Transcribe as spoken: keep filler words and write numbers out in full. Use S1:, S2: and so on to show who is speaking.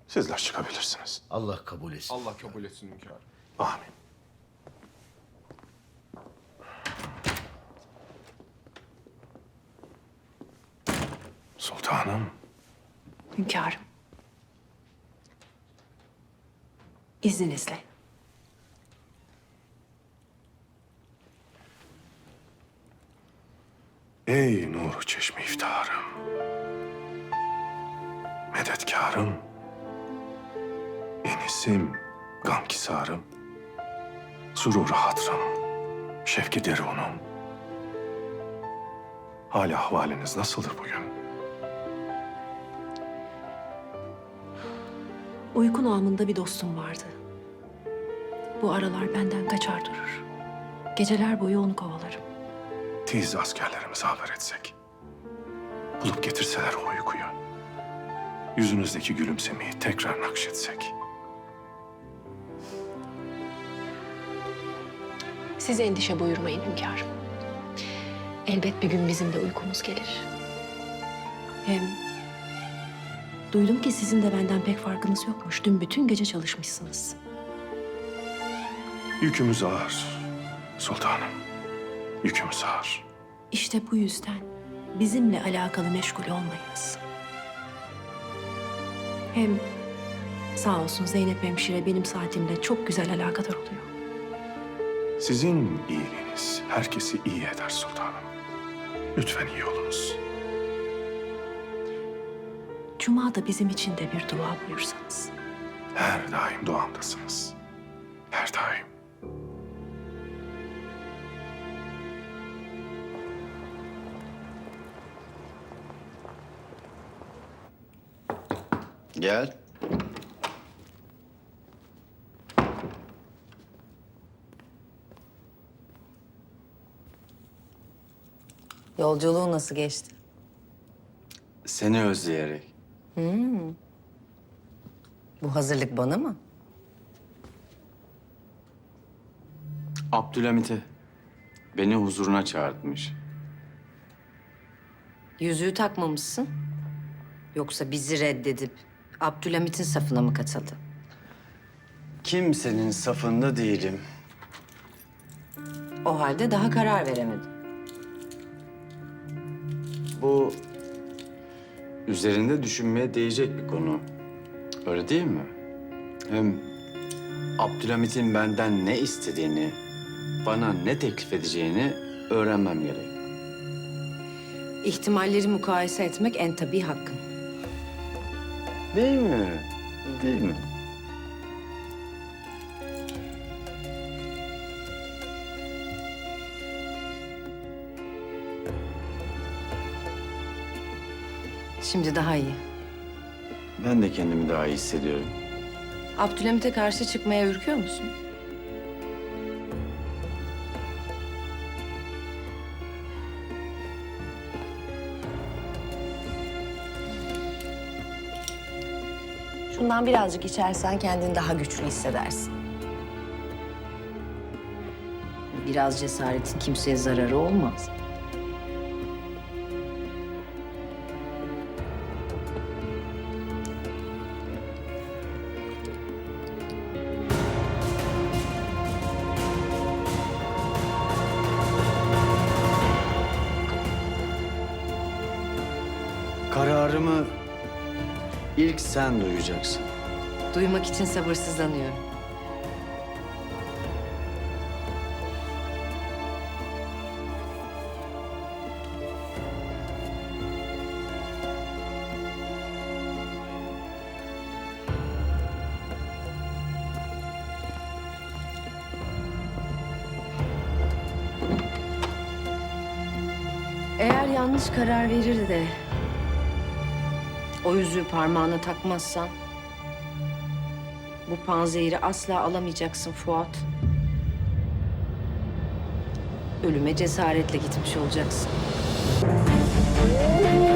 S1: Sizler çıkabilirsiniz.
S2: Allah kabul etsin.
S3: Allah kabul etsin hünkârım.
S1: Amin. Sultanım.
S4: Hünkârım. İzninizle.
S1: Ey nur çeşmi iftiharım. Medetkarım. Enisim, gamkisarım. Sururu hatrım, şevki derunum. Hali ahvaliniz nasıldır bugün?
S4: Uyku namında bir dostum vardı. Bu aralar benden kaçar durur. Geceler boyu onu kovalarım.
S1: Tiz askerlerimize haber etsek. Bulup getirseler o uykuyu. Yüzünüzdeki gülümsemeyi tekrar nakşetsek.
S4: Siz endişe buyurmayın hünkârım. Elbet bir gün bizim de uykumuz gelir. Hem duydum ki sizin de benden pek farkınız yokmuş. Dün bütün gece çalışmışsınız.
S1: Yükümüz ağır sultanım. Yükümüz ağır.
S4: İşte bu yüzden bizimle alakalı meşgul olmayınız. Hem sağ olsun Zeynep hemşire benim saatimle çok güzel alakadar oluyor.
S1: Sizin iyiliğiniz herkesi iyi eder sultanım. Lütfen iyi olunuz.
S4: Cuma'da bizim için de bir dua buyursanız.
S1: Her daim duamdasınız. Her daim.
S2: Gel.
S5: Yolculuğun nasıl geçti?
S2: Seni özleyerek.
S5: Bu hazırlık bana mı?
S2: Abdülhamit'e beni huzuruna çağırtmış.
S5: Yüzüğü takmamışsın. Yoksa bizi reddedip Abdülhamit'in safına mı katıldı?
S2: Kimsenin safında değilim.
S5: O halde daha karar veremedim.
S2: Bu üzerinde düşünmeye değecek bir konu. Öyle değil mi? Hem Abdülhamit'in benden ne istediğini, bana ne teklif edeceğini öğrenmem gerek.
S5: İhtimalleri mukayese etmek en tabii hakkın.
S2: Değil mi? Değil mi?
S5: Şimdi daha iyi.
S2: Ben de kendimi daha iyi hissediyorum.
S5: Abdülhamit'e karşı çıkmaya ürküyor musun? Şundan birazcık içersen kendini daha güçlü hissedersin. Biraz cesaretin kimseye zararı olmaz.
S2: Kararımı ilk sen duyacaksın.
S5: Duymak için sabırsızlanıyorum. Eğer yanlış karar verir de o yüzüğü parmağına takmazsan bu panzehiri asla alamayacaksın Fuat. Ölüme cesaretle gitmiş olacaksın.